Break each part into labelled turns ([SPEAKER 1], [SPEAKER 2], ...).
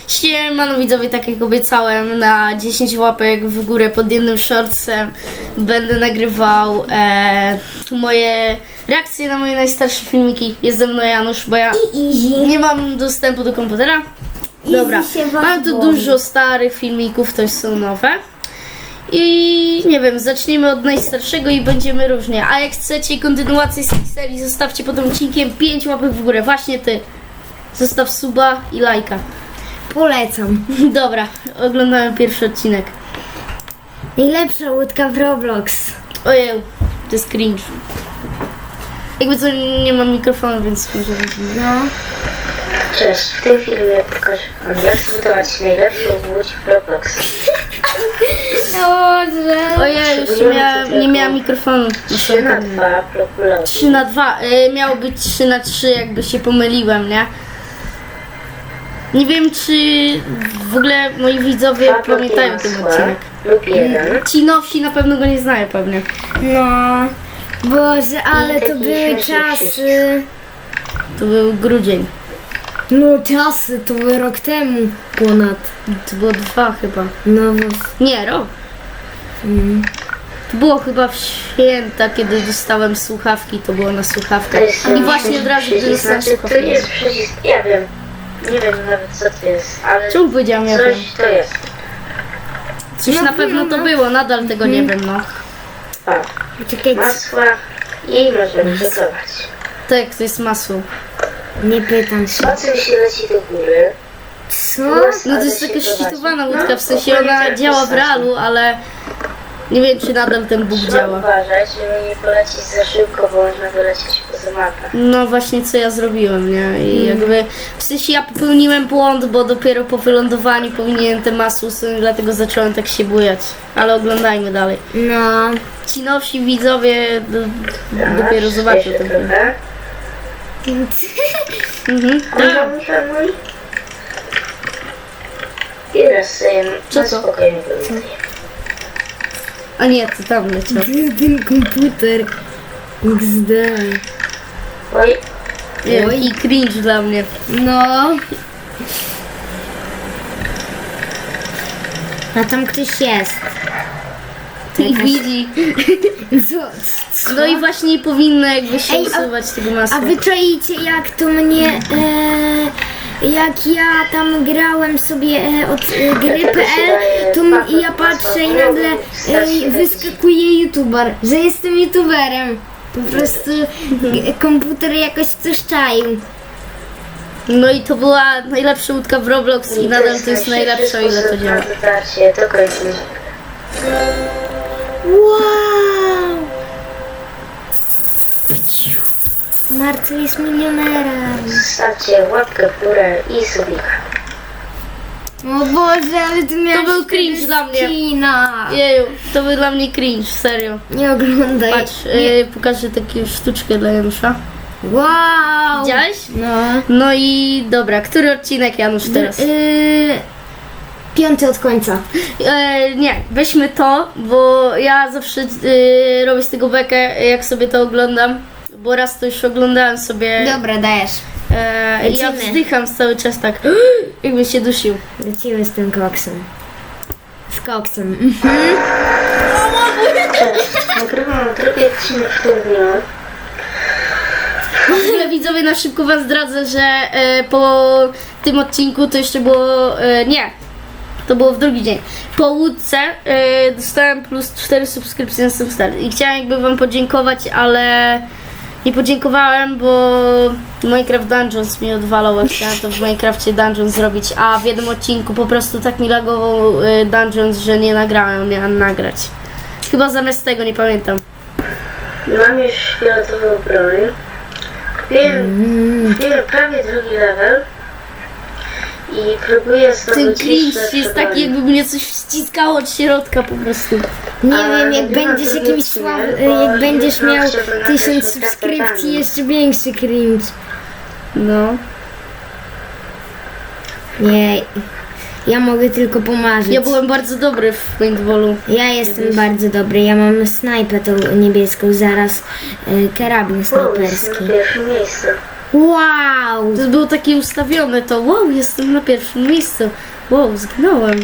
[SPEAKER 1] Siemano widzowie, tak jak obiecałem, na 10 łapek w górę pod jednym shortsem będę nagrywał moje reakcje na moje najstarsze filmiki. Jest ze mną Janusz, bo ja nie mam dostępu do komputera. Dobra, mam tu dużo starych filmików, to są nowe. I nie wiem, zacznijmy od najstarszego i będziemy różnie. A jak chcecie kontynuację z tej serii, zostawcie pod tym odcinkiem 5 łapek w górę. Właśnie ty. Zostaw suba i lajka.
[SPEAKER 2] Polecam.
[SPEAKER 1] Dobra, oglądałem pierwszy odcinek.
[SPEAKER 2] Najlepsza łódka w Roblox.
[SPEAKER 1] Ojej, to jest cringe. Jakby co, nie mam mikrofonu, więc może...
[SPEAKER 2] No.
[SPEAKER 3] Cześć, w tym filmie pokażę wam, jak zbudować najlepszą łódź w Roblox.
[SPEAKER 2] Dobrze.
[SPEAKER 1] Ojej, już nie miałam mikrofonu.
[SPEAKER 3] 3x2 bloki.
[SPEAKER 1] 3x2, miało być 3x3, jakby się pomyliłem, nie? Nie wiem, czy w ogóle moi widzowie
[SPEAKER 3] Dwa bloki
[SPEAKER 1] pamiętają ten
[SPEAKER 3] masła
[SPEAKER 1] odcinek.
[SPEAKER 3] lub jeden.
[SPEAKER 1] Ci nowsi na pewno go nie znają pewnie.
[SPEAKER 2] No. Boże, ale to
[SPEAKER 3] taki
[SPEAKER 2] były
[SPEAKER 3] śmieszny
[SPEAKER 2] czasy.
[SPEAKER 1] To był grudzień.
[SPEAKER 2] No czasy, to były rok temu ponad.
[SPEAKER 1] To było 2 chyba.
[SPEAKER 2] No
[SPEAKER 1] Nie, rok. To było chyba w święta, kiedy dostałem słuchawki, to było na słuchawkę.
[SPEAKER 3] To jest
[SPEAKER 1] I właśnie od razu, gdy
[SPEAKER 3] przycisk,
[SPEAKER 1] dostałem
[SPEAKER 3] znaczy, to
[SPEAKER 1] słuchawkę.
[SPEAKER 3] jest przycisk, ja wiem. Nie wiem nawet co to jest, ale
[SPEAKER 1] Czemu powiedziałam ja wiem?
[SPEAKER 3] coś to jest.
[SPEAKER 1] Coś
[SPEAKER 2] No,
[SPEAKER 1] na pewno
[SPEAKER 2] no,
[SPEAKER 1] to
[SPEAKER 2] no.
[SPEAKER 1] było, nadal tego nie wiem, no.
[SPEAKER 3] O,
[SPEAKER 2] czekaj,
[SPEAKER 3] masła i możemy gotować.
[SPEAKER 1] Tak, to jest masło.
[SPEAKER 2] nie pytam się.
[SPEAKER 3] Po czym się leci do góry?
[SPEAKER 2] Co?
[SPEAKER 1] No to jest taka szczytowana łódka, w sensie ona działa w realu, ale nie wiem, czy nadal ten Bóg
[SPEAKER 3] Trzeba
[SPEAKER 1] działa.
[SPEAKER 3] uważać, żeby nie polecieć za szybko, bo można wylecieć poza mapę.
[SPEAKER 1] No właśnie, co ja zrobiłem, nie? I jakby, w sensie ja popełniłem błąd, bo dopiero po wylądowaniu powinienem te masło usunąć, dlatego zacząłem tak się bujać. Ale oglądajmy dalej.
[SPEAKER 2] No.
[SPEAKER 1] Ci nowsi widzowie dopiero zobaczą
[SPEAKER 3] Jeszcze
[SPEAKER 1] ten film.
[SPEAKER 3] trochę.
[SPEAKER 1] Mhm.
[SPEAKER 3] Mój. I teraz sobie
[SPEAKER 1] Co
[SPEAKER 3] na
[SPEAKER 1] to?
[SPEAKER 3] spokojnie wyląduję.
[SPEAKER 1] A nie, to tam leciał.
[SPEAKER 2] Ten komputer. XD.
[SPEAKER 3] Oj,
[SPEAKER 1] I cringe dla mnie.
[SPEAKER 2] No. A tam ktoś jest.
[SPEAKER 1] I widzi.
[SPEAKER 2] Co?
[SPEAKER 1] No i właśnie powinno jakby się
[SPEAKER 2] Ej,
[SPEAKER 1] usuwać tego masła.
[SPEAKER 2] A wy czaicie jak to mnie, jak ja tam grałem sobie od gry.pl, to ja patrzę i nagle wyskakuje youtuber, że jestem youtuberem. Po prostu komputer jakoś coś czaił.
[SPEAKER 1] No i to była najlepsza łódka w Roblox i nadal to jest najlepsza, o ile to działa.
[SPEAKER 3] Dotarcie do końca.
[SPEAKER 2] Wow! Marcel jest milionerem.
[SPEAKER 3] Zostawcie łapkę w górę i subika.
[SPEAKER 2] O Boże, ale ty miałeś
[SPEAKER 1] był cringe
[SPEAKER 2] wtedy
[SPEAKER 1] dla mnie.
[SPEAKER 2] skina.
[SPEAKER 1] Jeju, to był dla mnie cringe, serio.
[SPEAKER 2] Nie oglądaj.
[SPEAKER 1] Patrz, pokażę taką sztuczkę dla Janusza.
[SPEAKER 2] Wow!
[SPEAKER 1] Widziałeś?
[SPEAKER 2] No.
[SPEAKER 1] No i dobra, który odcinek Janusz teraz?
[SPEAKER 2] 5 od końca.
[SPEAKER 1] Nie, weźmy to, bo ja zawsze robię z tego bekę, jak sobie to oglądam. Bo raz to już oglądałem sobie
[SPEAKER 2] Dobra, dajesz.
[SPEAKER 1] i ja
[SPEAKER 2] Lecimy.
[SPEAKER 1] wzdycham cały czas tak, jakbym się dusił.
[SPEAKER 2] Lecimy z tym koksem. Z koksem.
[SPEAKER 3] Nagrywam drugi odcinek w tym dniu.
[SPEAKER 1] W ogóle widzowie, na szybko wam zdradzę, że po tym odcinku to jeszcze było, nie, to było w drugi dzień. Po łódce dostałem plus 4 subskrypcje na Substar i chciałem jakby wam podziękować, ale nie podziękowałem, bo Minecraft Dungeons mi odwalał, a chciałem to w Minecrafcie Dungeons zrobić, a w jednym odcinku po prostu tak mi lagował Dungeons, że nie nagrałem, miałem nagrać. Chyba zamiast tego, nie pamiętam.
[SPEAKER 3] Mam już fioletową broń. Kupiłem prawie drugi level. I próbuję
[SPEAKER 1] Ten
[SPEAKER 3] zdobyć
[SPEAKER 1] cringe
[SPEAKER 3] jeszcze
[SPEAKER 1] jest
[SPEAKER 3] broń.
[SPEAKER 1] taki, jakby mnie coś wciskało od środka po prostu.
[SPEAKER 2] Nie
[SPEAKER 3] A,
[SPEAKER 2] wiem, jak
[SPEAKER 3] nagrywam
[SPEAKER 2] będziesz
[SPEAKER 3] to
[SPEAKER 2] jakimś
[SPEAKER 3] nic nie,
[SPEAKER 2] słabym,
[SPEAKER 3] bo
[SPEAKER 2] jak będziesz
[SPEAKER 3] jutro
[SPEAKER 2] miał
[SPEAKER 3] trzeba nagrać
[SPEAKER 2] 1000
[SPEAKER 3] z
[SPEAKER 2] subskrypcji,
[SPEAKER 3] kartami.
[SPEAKER 2] jeszcze większy cringe.
[SPEAKER 1] No.
[SPEAKER 2] Nie, ja mogę tylko pomarzyć.
[SPEAKER 1] Ja byłem bardzo dobry w paintballu.
[SPEAKER 2] Ja jestem bardzo dobry, ja mam snajpę tą niebieską, zaraz karabin
[SPEAKER 3] Wow, jestem
[SPEAKER 2] snajperski.
[SPEAKER 3] na pierwszym miejscu.
[SPEAKER 2] Wow!
[SPEAKER 1] To było takie ustawione, to wow, jestem na pierwszym miejscu. Wow, zginąłem.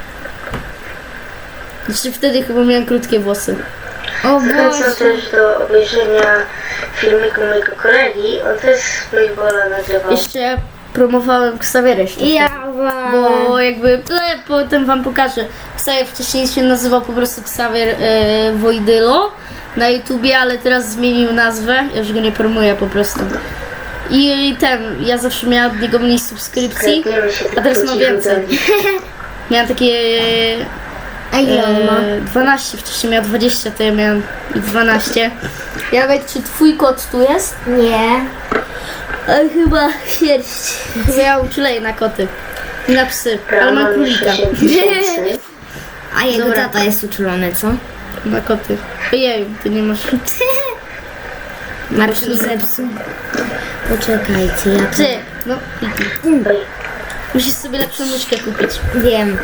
[SPEAKER 1] Jeszcze wtedy chyba miałem krótkie włosy.
[SPEAKER 2] O
[SPEAKER 3] Zachęcam
[SPEAKER 2] Boże!
[SPEAKER 3] też do obejrzenia filmiku mojego kolegi. On też z Playbola nagrywał.
[SPEAKER 1] Jeszcze promowałem Ksawierę jeszcze.
[SPEAKER 2] Ja
[SPEAKER 1] Bo jakby, potem wam pokażę. Ksawier wcześniej się nazywał po prostu Ksawier Wojdylo na YouTubie, ale teraz zmienił nazwę. Ja już go nie promuję po prostu. I ja zawsze miałam od niego mniej subskrypcji,
[SPEAKER 3] Sklepiemy się
[SPEAKER 1] a teraz mam więcej. Miałam takie
[SPEAKER 2] A ile on ma?
[SPEAKER 1] 12, wcześniej miał 20, to ja miałam 12. Janek, czy twój kot tu jest?
[SPEAKER 2] Nie.
[SPEAKER 1] Ale chyba sierść. Bo ja uczuleję na koty. I na psy, ale mam królika.
[SPEAKER 3] 60
[SPEAKER 2] A jego
[SPEAKER 1] Dobra.
[SPEAKER 2] tata jest uczulony, co?
[SPEAKER 1] Na koty. Ojeju, ty nie masz...
[SPEAKER 2] Marcin zepsuł. Poczekajcie, ja
[SPEAKER 1] Ty, no kliknij.
[SPEAKER 3] Oj,
[SPEAKER 1] Musisz sobie lepszą myszkę kupić.
[SPEAKER 2] wiem.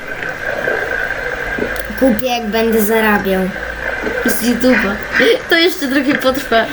[SPEAKER 2] Kupię, jak będę zarabiał.
[SPEAKER 1] Z YouTube'a. To jeszcze trochę potrwa.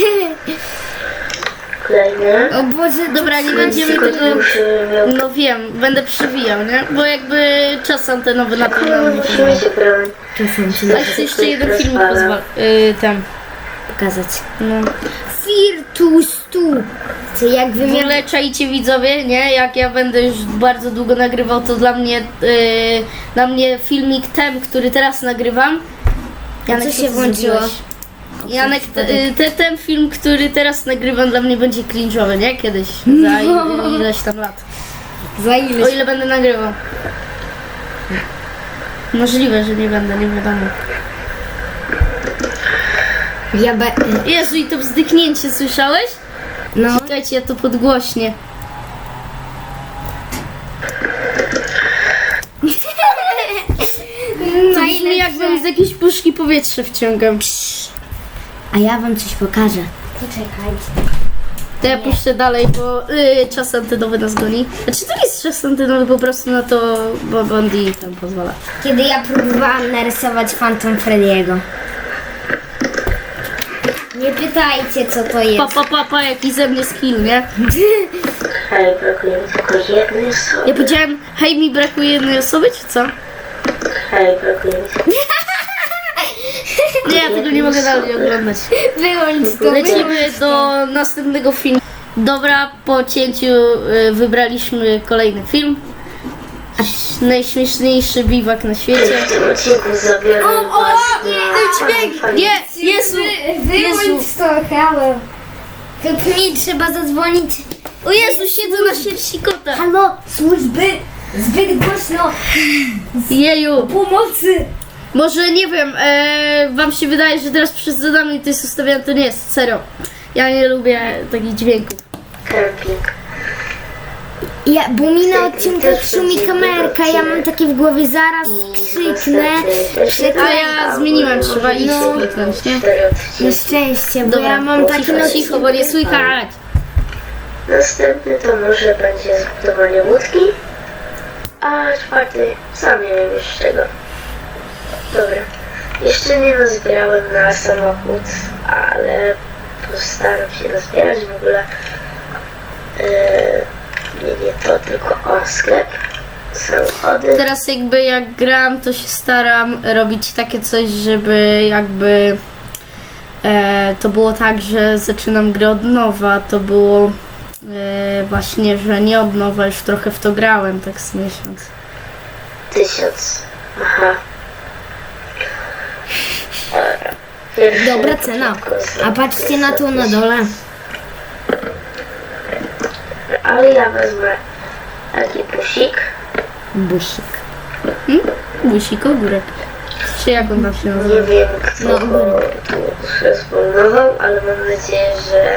[SPEAKER 3] kolejny.
[SPEAKER 2] O Boże,
[SPEAKER 1] Dobra, nie będziemy
[SPEAKER 3] Tylko
[SPEAKER 1] tego...
[SPEAKER 3] już miał...
[SPEAKER 1] No wiem, będę przewijał, nie? Bo jakby czas antenowy na pewno
[SPEAKER 3] No,
[SPEAKER 1] nie
[SPEAKER 3] musimy
[SPEAKER 1] pozwala.
[SPEAKER 3] się bronić.
[SPEAKER 2] czasem ci
[SPEAKER 1] Ale chcę jeszcze jeden filmik pozwala. Ten.
[SPEAKER 2] pokazać.
[SPEAKER 1] No.
[SPEAKER 2] Firtus tu. Co jak
[SPEAKER 1] W
[SPEAKER 2] wymiar...
[SPEAKER 1] ogóle czajcie widzowie, nie? Jak ja będę już bardzo długo nagrywał, to dla mnie filmik ten, który teraz nagrywam.
[SPEAKER 2] Co się
[SPEAKER 1] ty
[SPEAKER 2] włączyło?
[SPEAKER 1] zrobiłeś? Janek, ten film, który teraz nagrywam, dla mnie będzie cringe'owy, nie? Kiedyś, za ileś tam lat.
[SPEAKER 2] Za ile?
[SPEAKER 1] O ile będę nagrywał. Możliwe, że nie będę, nie wiadomo.
[SPEAKER 2] Ja be...
[SPEAKER 1] Jezu, i to wzdyknięcie, słyszałeś?
[SPEAKER 2] No.
[SPEAKER 1] Czekajcie, ja to podgłośnię. To brzmi jakbym z jakiejś puszki powietrze wciągam.
[SPEAKER 2] A ja wam coś pokażę. Poczekajcie.
[SPEAKER 1] To ja puszczę dalej, bo czas antenowy nas goni. Znaczy to nie jest czas antenowy, po prostu na to bo Bondi tam pozwala.
[SPEAKER 2] Kiedy ja próbowałam narysować Phantom Freddy'ego. Nie pytajcie, co to jest.
[SPEAKER 1] Pa, jaki ze mnie skill, nie?
[SPEAKER 3] Hej, brakuje mi tylko jednej osoby.
[SPEAKER 1] Ja powiedziałem, hej, mi brakuje jednej osoby, czy co?
[SPEAKER 3] Hej, brakuje mi tylko...
[SPEAKER 1] Nie, ja tego nie mogę dalej oglądać.
[SPEAKER 2] Wyłącz to.
[SPEAKER 1] Lecimy do następnego filmu. Dobra, po cięciu wybraliśmy kolejny film. Najśmieszniejszy biwak na świecie.
[SPEAKER 3] W tym odcinku zabiorę was na...
[SPEAKER 1] Nie, Jezu! Jezu!
[SPEAKER 2] Wyłącz to, halo. Tylko mi trzeba zadzwonić.
[SPEAKER 1] O Jezu, siedzę na sierści kota!
[SPEAKER 2] Halo, służby! Zbyt głośno!
[SPEAKER 1] Jeju!
[SPEAKER 2] Pomocy!
[SPEAKER 1] Może nie wiem, wam się wydaje, że teraz przez zadanie to jest ustawione, to nie jest, serio. Ja nie lubię takich dźwięków.
[SPEAKER 3] Camping.
[SPEAKER 2] Bo mi na odcinkach szumi kamerka, ja mam takie w głowie, zaraz krzyknę.
[SPEAKER 1] A ja zmieniłem, trzeba iść kliknąć, nie?
[SPEAKER 2] Na szczęście, bo
[SPEAKER 1] Dobra,
[SPEAKER 2] ja mam taki
[SPEAKER 1] cicho, cicho, bo nie słychać.
[SPEAKER 3] Następny to może będzie zbudowanie łódki, a czwarty sam nie wiem już czego. Dobra, jeszcze nie nazbierałem na samochód, ale postaram się nazbierać w ogóle. Nie to, tylko o sklep, samochody.
[SPEAKER 1] Teraz jakby jak gram, to się staram robić takie coś, żeby jakby to było tak, że zaczynam grę od nowa. To było właśnie, że nie od nowa, już trochę w to grałem, tak z miesiąc.
[SPEAKER 3] 1000. Aha. Pierwszy
[SPEAKER 2] Dobra
[SPEAKER 3] na
[SPEAKER 2] cena.
[SPEAKER 3] początku
[SPEAKER 2] A patrzcie na to na dole.
[SPEAKER 3] Ale ja wezmę taki busik.
[SPEAKER 2] Busik.
[SPEAKER 1] Busik ogórek. Czy jak on tam się nazywa?
[SPEAKER 3] Nie wiem, kto
[SPEAKER 2] No,
[SPEAKER 3] go tu zresponował, ale mam nadzieję, że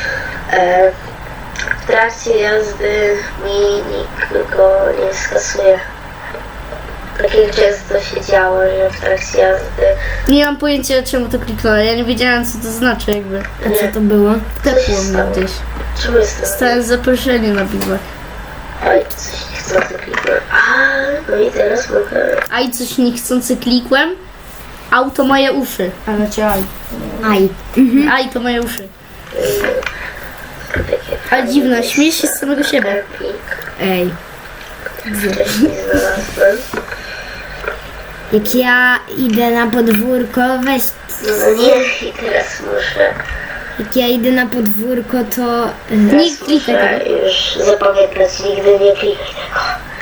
[SPEAKER 3] w trakcie jazdy mi nikt go nie skasuje. Takiego często się działo, że w trakcie jazdy
[SPEAKER 1] Nie mam pojęcia, czemu to kliknąłem. Ja nie wiedziałem, co to znaczy jakby.
[SPEAKER 2] A co to było?
[SPEAKER 1] Tepło mnie gdzieś.
[SPEAKER 3] czemu jest to?
[SPEAKER 1] Dostałem zaproszenie na biwak.
[SPEAKER 3] Oj, coś nie chcę to kliknąć. A, no i teraz mogę...
[SPEAKER 1] A i coś niechcący klikłem. Auto moje uszy. A znaczy aj.
[SPEAKER 2] Aj.
[SPEAKER 1] Aj to moje uszy.
[SPEAKER 3] takie
[SPEAKER 1] Ale dziwne, śmiejesz się z samego siebie.
[SPEAKER 3] Kemping.
[SPEAKER 2] Ej,
[SPEAKER 3] Wcześniej znalazłem.
[SPEAKER 2] jak ja idę na podwórko, weź...
[SPEAKER 3] No nie, i teraz muszę.
[SPEAKER 2] Jak ja idę na podwórko, to...
[SPEAKER 1] Nie klikaj
[SPEAKER 3] Muszę
[SPEAKER 1] tego.
[SPEAKER 3] już zapamiętać, nigdy nie klikaj tego.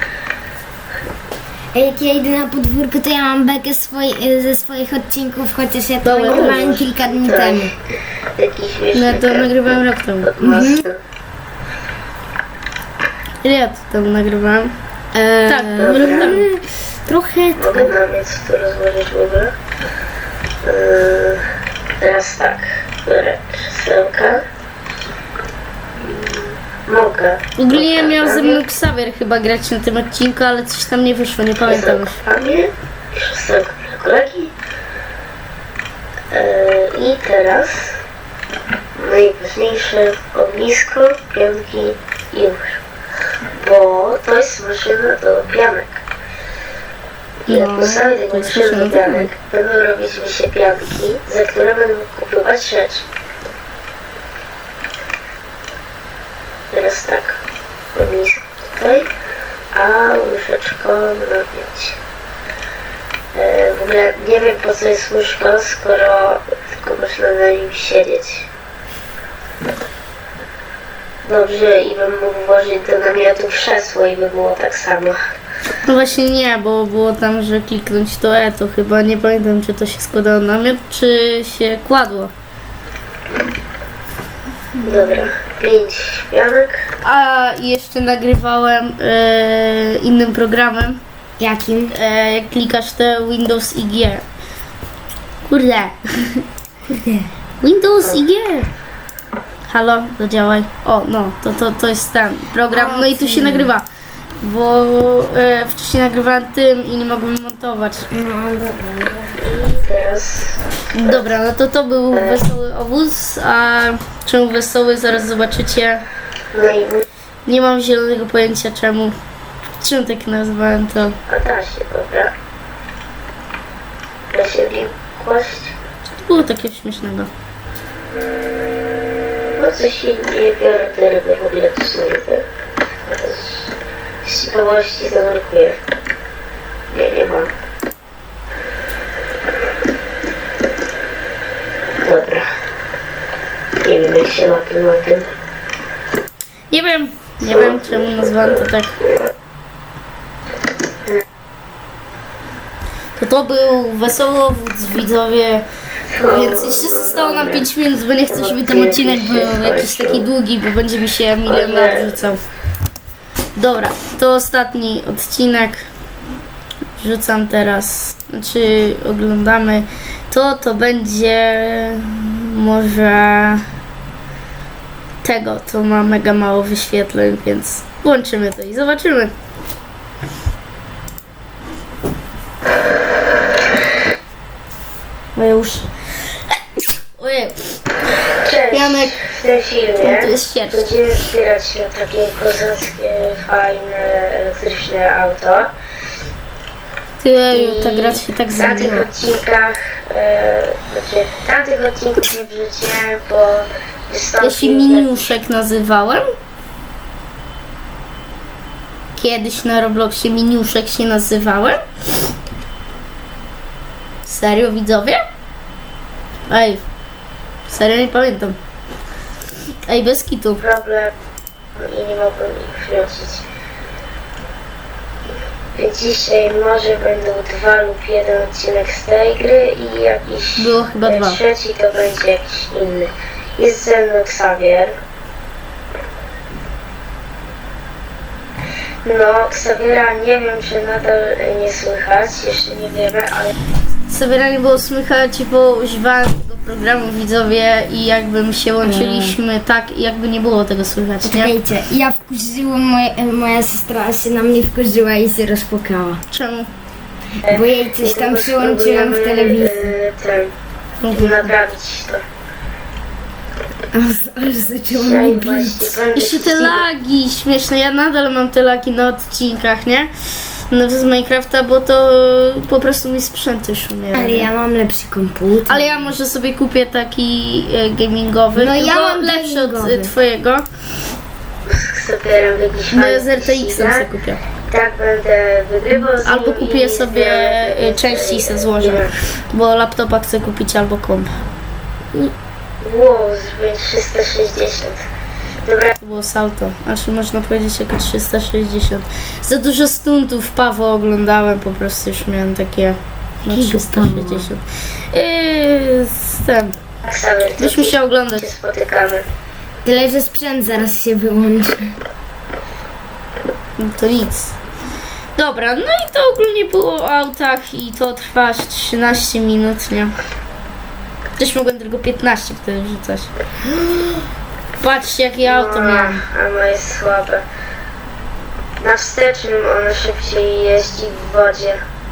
[SPEAKER 2] Jak ja idę na podwórko, to ja mam bekę ze swoich odcinków, chociaż ja to
[SPEAKER 1] Dobra,
[SPEAKER 2] nagrywałem
[SPEAKER 1] dobrze.
[SPEAKER 2] kilka dni
[SPEAKER 3] Tak.
[SPEAKER 2] temu.
[SPEAKER 3] Taki śmieszny
[SPEAKER 1] No to nagrywałem rok temu.
[SPEAKER 3] pod mostem.
[SPEAKER 1] Ile ja to tam nagrywałem? Tak,
[SPEAKER 3] Dobra.
[SPEAKER 1] rok temu.
[SPEAKER 2] Trochę...
[SPEAKER 3] Mogę nawet to rozłożyć w ogóle. Teraz tak, biorę krzesełka. Mogę.
[SPEAKER 1] Ogólnie miał ze mną Xavier chyba grać na tym odcinku, ale coś tam nie wyszło, nie pamiętam już.
[SPEAKER 3] Krzesełkami, krzesełko dla kolegi. I teraz najważniejsze ognisko, pianki i już. Bo to jest maszyna do pianek. I jak
[SPEAKER 1] No,
[SPEAKER 3] postawię
[SPEAKER 1] to
[SPEAKER 3] tego
[SPEAKER 1] jest
[SPEAKER 3] maszyny
[SPEAKER 1] maszyna
[SPEAKER 3] do
[SPEAKER 1] do
[SPEAKER 3] pianek, będą robić mi się pianki, za które będę mógł kupować rzeczy. Teraz tak, ognisko tutaj, a łyżeczką napiąć. W ogóle nie wiem po co jest łóżko, skoro tylko można na nim siedzieć. Dobrze, i bym mógł włożyć do namiotu krzesło i by było tak samo.
[SPEAKER 1] No właśnie nie, bo było tam, że kliknąć to to chyba, nie pamiętam czy to się składało na namiot, czy się kładło.
[SPEAKER 3] Dobra, 5 pianek.
[SPEAKER 1] A jeszcze nagrywałem innym programem,
[SPEAKER 2] Jakim?
[SPEAKER 1] jak klikasz te Windows i G. Kurde. Windows i G. Halo, zadziałaj. O, no, to jest ten program. No i tu się nagrywa. Bo wcześniej nagrywałem tym i nie mogłem montować.
[SPEAKER 3] I teraz
[SPEAKER 1] Dobra, no to był wesoły obóz, a czemu wesoły zaraz zobaczycie.
[SPEAKER 3] no i
[SPEAKER 1] Nie mam zielonego pojęcia czemu. Czemu tak nazwałem to?
[SPEAKER 3] a da się, dobra. Da się w nim kłaść.
[SPEAKER 1] Było takie śmiesznego.
[SPEAKER 3] No coś się nie biorę te ryby, w ogóle to są ryby. Śmiałości zanurkuję. Nie mam. Dobra. Nie wiem jak się na tym.
[SPEAKER 1] Nie wiem czemu nazwałem to tak. To był wesoły obóz, widzowie. Więc jeszcze zostało nam 5 minut, bo nie chcę, żeby ten odcinek był jakiś taki długi, bo będzie mi się milion lat rzucał. Dobra, to ostatni odcinek. Rzucam teraz, znaczy oglądamy. To będzie może tego, to ma mega mało wyświetleń, więc włączymy to i zobaczymy. Bo już... Ojej,
[SPEAKER 3] Cześć.
[SPEAKER 1] Janek.
[SPEAKER 3] W tym filmie
[SPEAKER 1] To jest sierść.
[SPEAKER 3] będziemy wspierać się takie kozackie, fajne, elektryczne auto.
[SPEAKER 1] Ty, ta gra się tak
[SPEAKER 3] W tamtych
[SPEAKER 1] zmieniła.
[SPEAKER 3] odcinkach, znaczy w tamtych odcinków nie wrzuciłem, bo
[SPEAKER 1] Ja
[SPEAKER 3] wystąpił
[SPEAKER 1] się Miniuszek nazywałem. Kiedyś na Robloxie Miniuszek się nazywałem. Serio, widzowie? Ej, serio nie pamiętam. Ej, bez kitu.
[SPEAKER 3] problem i nie mogłem ich wrócić. Więc dzisiaj może będą 2 lub 1 odcinek z tej gry i jakiś
[SPEAKER 1] Było chyba 2.
[SPEAKER 3] trzeci to będzie jakiś inny. Jest ze mną Xavier. No, Xaviera nie wiem czy nadal nie słychać, jeszcze nie wiemy, ale
[SPEAKER 1] Sobie nie było słychać, bo używałem tego programu, widzowie, i jakby się łączyliśmy tak, jakby nie było tego słychać, nie?
[SPEAKER 2] Czekajcie, ja wkurzyłam, moja siostra się na mnie wkurzyła i się rozpłakała.
[SPEAKER 1] Czemu?
[SPEAKER 2] Bo jej coś tam przełączyłem w telewizji.
[SPEAKER 3] naprawić to.
[SPEAKER 2] Aż zaczęło
[SPEAKER 3] Dzisiaj
[SPEAKER 2] mnie
[SPEAKER 3] właśnie
[SPEAKER 2] bić.
[SPEAKER 3] będę
[SPEAKER 1] Jeszcze te
[SPEAKER 3] ścigał.
[SPEAKER 1] lagi śmieszne, ja nadal mam te lagi na odcinkach, nie? No z Minecrafta, bo to po prostu mi sprzęt już umiera.
[SPEAKER 2] Ale
[SPEAKER 1] nie?
[SPEAKER 2] ja mam lepszy komputer.
[SPEAKER 1] Ale ja może sobie kupię taki gamingowy,
[SPEAKER 2] No ja
[SPEAKER 1] tylko
[SPEAKER 2] mam
[SPEAKER 1] lepszy od
[SPEAKER 2] gamingowy.
[SPEAKER 1] twojego.
[SPEAKER 3] Zabieram jakiś
[SPEAKER 1] No
[SPEAKER 3] fajny
[SPEAKER 1] z RTX-em
[SPEAKER 3] ścigak.
[SPEAKER 1] sobie kupię.
[SPEAKER 3] Tak będę wygrywał z
[SPEAKER 1] Albo
[SPEAKER 3] nim
[SPEAKER 1] kupię
[SPEAKER 3] i
[SPEAKER 1] sobie
[SPEAKER 3] zbieram jakieś
[SPEAKER 1] części i se
[SPEAKER 3] fajne
[SPEAKER 1] złożę.
[SPEAKER 3] ścigaki.
[SPEAKER 1] Bo laptopa chcę kupić albo komp.
[SPEAKER 3] Wow, zrobię 360. Dobra,
[SPEAKER 1] To było salto. Znaczy można powiedzieć jako 360. Za dużo stuntów Paweł oglądałem, po prostu już miałem takie no
[SPEAKER 2] Jakiego
[SPEAKER 1] 360. Z tym.
[SPEAKER 3] Ksawer, to
[SPEAKER 1] Byśmy się oglądać.
[SPEAKER 3] się spotykamy.
[SPEAKER 2] Tyle, że sprzęt zaraz się wyłączy.
[SPEAKER 1] No to nic. Dobra, no i to ogólnie było o autach i to trwa aż 13 minut, nie? Też mogłem tylko 15 wtedy wrzucać. Patrzcie jakie auto miałem.
[SPEAKER 3] A moje jest słabe. Na wstecznym ono szybciej jeździ w wodzie.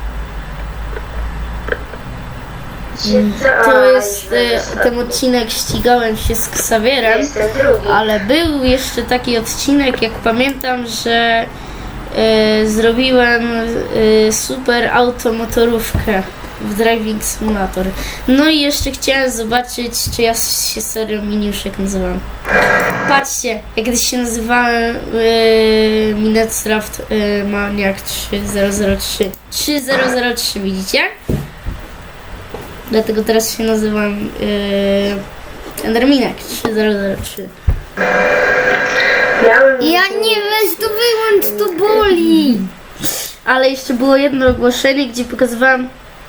[SPEAKER 1] To jest ten odcinek, ścigałem się z Ksawierem.
[SPEAKER 3] Jestem drugi.
[SPEAKER 1] Ale był jeszcze taki odcinek, jak pamiętam, że zrobiłem super automotorówkę w Driving Simulator. No i jeszcze chciałem zobaczyć, czy ja się serio Miniuszek nazywam. Patrzcie, jak kiedyś się nazywałem Minecraft Maniac 3003. 3003, widzicie? Dlatego teraz się nazywam Enderminek 3003.
[SPEAKER 2] Ja nie, weź to wyłącz, to boli.
[SPEAKER 1] Ale jeszcze było jedno ogłoszenie, gdzie pokazywałam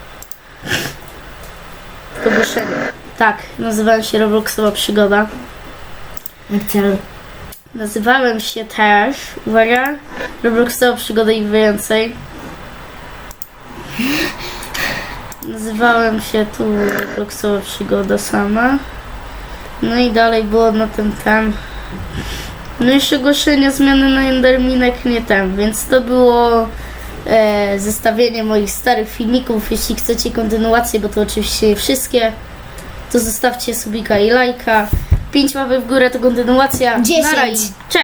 [SPEAKER 1] to ogłoszenie. Tak, nazywałem się Robloxowa Przygoda.
[SPEAKER 2] Marcel,
[SPEAKER 1] Nazywałem się też, uwaga, Robloxowa Przygoda i więcej. Nazywałem się tu Robloxowa Przygoda sama. No i dalej było na ten. No i jeszcze ogłoszenia zmiany na Enderminek nie ten, więc to było zestawienie moich starych filmików. Jeśli chcecie kontynuację, bo to oczywiście nie wszystkie, to zostawcie subika i lajka. 5 łapek w górę to kontynuacja.
[SPEAKER 2] 10.
[SPEAKER 1] Na razie. Cześć!